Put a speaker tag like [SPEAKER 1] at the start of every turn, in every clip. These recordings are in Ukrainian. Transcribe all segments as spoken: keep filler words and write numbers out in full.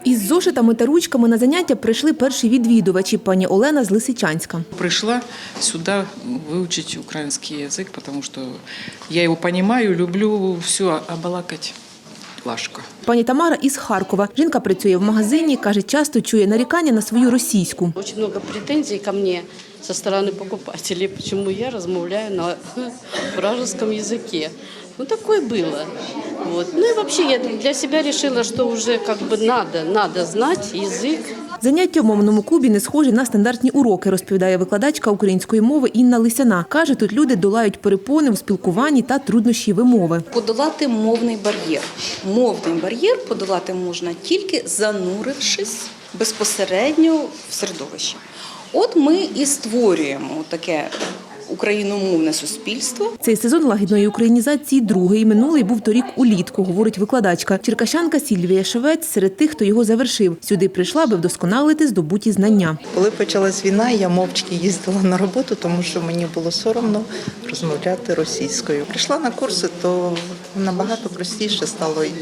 [SPEAKER 1] Із зошитами та ручками на заняття прийшли перші відвідувачі – пані Олена з Лисичанська.
[SPEAKER 2] Прийшла сюди вивчити український язик, тому що я його розумію, люблю, все, а балакати важко.
[SPEAKER 1] Пані Тамара із Харкова. Жінка працює в магазині, каже, часто чує нарікання на свою російську.
[SPEAKER 3] Дуже багато претензій ко мені зі сторони покупателей, чому я розмовляю на вражеском язикі. Ну, такое было. Вот. Ну и вообще я для себя решила, что уже как бы надо, надо знать язык.
[SPEAKER 1] Заняття в мовному клубі не схожі на стандартні уроки, розповідає викладачка української мови Інна Лисяна. Каже, тут люди долають перепони у спілкуванні та труднощі вимови.
[SPEAKER 4] Подолати мовний бар'єр. Мовний бар'єр подолати можна тільки занурившись безпосередньо в середовище. От ми і створюємо таке україномовне суспільство.
[SPEAKER 1] Цей сезон лагідної українізації другий. Минулий був торік улітку, говорить викладачка. Черкащанка Сільвія Шевець серед тих, хто його завершив. Сюди прийшла, аби вдосконалити здобуті знання.
[SPEAKER 5] Коли почалась війна, я мовчки їздила на роботу, тому що мені було соромно розмовляти російською. Прийшла на курси, то набагато простіше стало і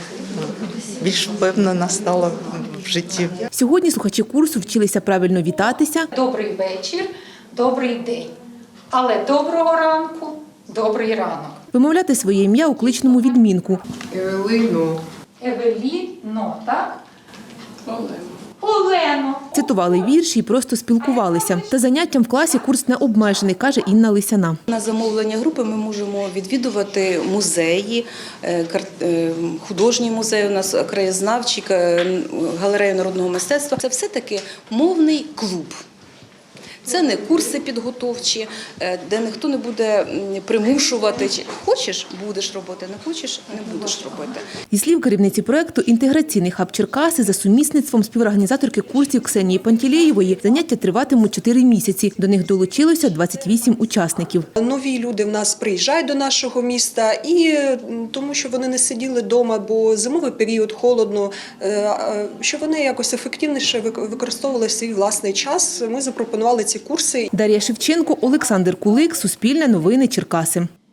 [SPEAKER 5] більш впевнена стала в житті.
[SPEAKER 1] Сьогодні слухачі курсу вчилися правильно вітатися.
[SPEAKER 6] Добрий вечір, добрий день. Але доброго ранку, добрий ранок.
[SPEAKER 1] Вимовляти своє ім'я у кличному відмінку.
[SPEAKER 7] Евелину.
[SPEAKER 6] Евеліно, так? Олено. Олено.
[SPEAKER 1] Цитували вірші і просто спілкувалися. Та заняттям в класі курс не обмежений, каже Інна Лисяна.
[SPEAKER 4] На замовлення групи ми можемо відвідувати музеї, художній музей у нас, краєзнавчий, галерею народного мистецтва. Це все-таки мовний клуб. Це не курси підготовчі, де ніхто не буде примушувати. Хочеш – будеш робити, не хочеш – не будеш робити.
[SPEAKER 1] Зі слів керівниці проєкту «Інтеграційний хаб Черкаси» за сумісництвом співорганізаторки курсів Ксенії Пантелєєвої заняття триватимуть чотири місяці. До них долучилося двадцять вісім учасників.
[SPEAKER 7] Нові люди в нас приїжджають до нашого міста, і тому що вони не сиділи вдома, бо зимовий період, холодно, що вони якось ефективніше використовували свій власний час, ми запропонували ці курси.
[SPEAKER 1] Дар'я Шевченко, Олександр Кулик, Суспільне новини, Черкаси.